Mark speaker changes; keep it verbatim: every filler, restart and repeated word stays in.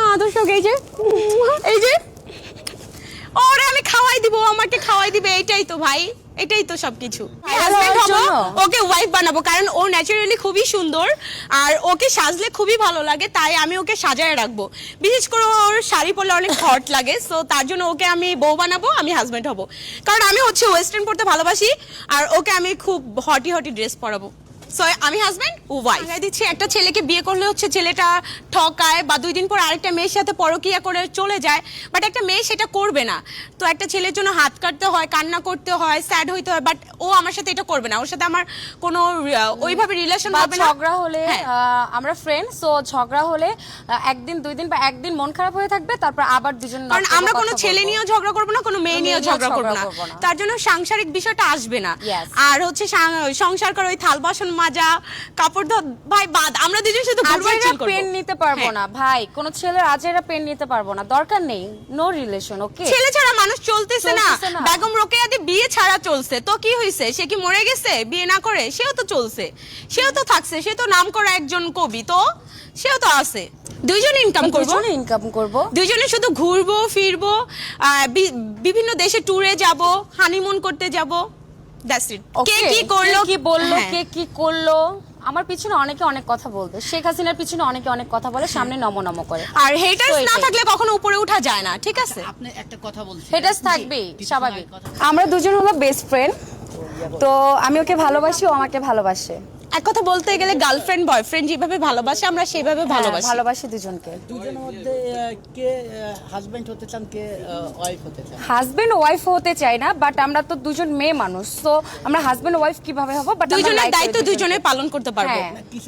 Speaker 1: দর্শক এই যে এই যে ওরে আমি খাওয়াই দিব, আমাকে খাওয়াই দিবে, এটাই তো ভাই, এটাই তো সবকিছু। হাজবেন্ড হবো, ওকে ওয়াইফ বানাবো, কারণ ও ন্যাচারালি খুবই সুন্দর আর ওকে সাজলে খুবই ভালো লাগে, তাই আমি ওকে সাজায় রাখবো। বিশেষ করে ওর শাড়ি পরলে অনেক হট লাগে, সো তার জন্য ওকে আমি বউ বানাবো, আমি হাজবেন্ড হবো। কারণ আমি হচ্ছে ওয়েস্টার্ন পরতে ভালোবাসি আর ওকে আমি খুব হটি হটি ড্রেস পরাবো। সো আমি হাজবেন্ড ও ওয়াইফ। আমি দিচ্ছি একটা ছেলেকে বিয়ে করলে হচ্ছে ছেলেটা ঠকায় বা দুই দিন পর আরেকটা মেয়ের সাথে পরকিয়া করে চলে যায়, বাট একটা মেয়ে সেটা করবে না। তো একটা ছেলের জন্য হাত কাটতে হয়, কান্না করতে হয়, স্যাড হইতে হয়, বাট ও আমার সাথে এটা করবে না। ওর সাথে আমার কোনো আহ, ওইভাবে রিলেশন হবে না।
Speaker 2: ঝগড়া হলে
Speaker 1: হ্যাঁ।
Speaker 2: আহ, আমরা ফ্রেন্ড, সো ঝগড়া হলে আহ, একদিন দুই দিন বা একদিন মন খারাপ হয়ে থাকবে, তারপর আবার দুজন
Speaker 1: কারণ আমরা কোনো ছেলে নিয়েও ঝগড়া করবো না, কোনো মেয়ে নিয়েও ঝগড়া করবো না,
Speaker 2: করবো না।
Speaker 1: তার জন্য সাংসারিক বিষয়টা আসবে না।
Speaker 2: Yes.
Speaker 1: আর হচ্ছে সাং- সংসার করে ওই থাল বাসন মাজা, কাপড় ধোয়া, ভাই বাদ, আমরা দুজন শুধু ঘুরবার
Speaker 2: আজেরা
Speaker 1: চিল করবো।
Speaker 2: পেন নিতে পারবো
Speaker 1: হ্যাঁ।
Speaker 2: না ভাই, কোন ছেলের আজেরা পেন নিতে পারবো না, দরকার নেই, নো রিলেশন। ওকে,
Speaker 1: ছেলে ছাড়া মানুষ চলতেছে না।
Speaker 2: চলতেছে না।
Speaker 1: বেগম রোকেয়াদি বিয়ে ছাড়া চলছে, তো কি হয়েছে? সে কি মরে গেছে বিয়ে না করে? সেও তো চলছে, সেও তো থাকছে, সে তো নাম করা একজন কবি, তো সেও তো আছে। দুইজন ইনকাম করবো,
Speaker 2: দুজনে ইনকাম করব।
Speaker 1: দুইজনে শুধু ঘুরবো ফিরবো, আহ, বি- বিভিন্ন দেশে ট্যুরে যাব, হানিমুন করতে যাব, দ্যাটস ইট। কে কি করলো,
Speaker 2: কি বললো,
Speaker 1: হ্যাঁ।
Speaker 2: কে কি করলো, আমার পিছনে অনেকে অনেক কথা বলবে, শেখ হাসিনার পিছনে অনেকে অনেক কথা বলে, সামনে নমো নমো করে।
Speaker 1: আর হেটার্স
Speaker 2: তো
Speaker 1: না
Speaker 2: এটাই।
Speaker 1: থাকলে কখনো উপরে ওঠা যায় না, ঠিক আছে?
Speaker 3: আপনি একটা কথা বলছেন,
Speaker 2: হেটার্স থাকবেই, স্বাভাবিক।
Speaker 4: আমরা দুজন হলো বেস্ট ফ্রেন্ড, তো আমি ওকে ভালোবাসি, ও আমাকে ভালোবাসে।
Speaker 1: এক কথা বলতে গেলে গার্লফ্রেন্ড বয়ফ্রেন্ড যেভাবে ভালোবাসে আমরা সেভাবে
Speaker 4: হ্যাঁ,
Speaker 1: ভালোবাসি।
Speaker 4: ভালোবাসি দুজনকে।
Speaker 3: দুজনের মধ্যে আহ, কে হাজবেন্ড হতে চান, কে ওয়াইফ হতে চান?
Speaker 4: হাজবেন্ড ওয়াইফ হতে চাই না, বাট আমরা তো দুজন মেয়ে মানুষ, তো আমরা হাজবেন্ড ওয়াইফ কিভাবে হবো, বাট
Speaker 1: দুইজনের দায়িত্ব দুইজনে পালন করতে পারবো।
Speaker 4: হ্যাঁ।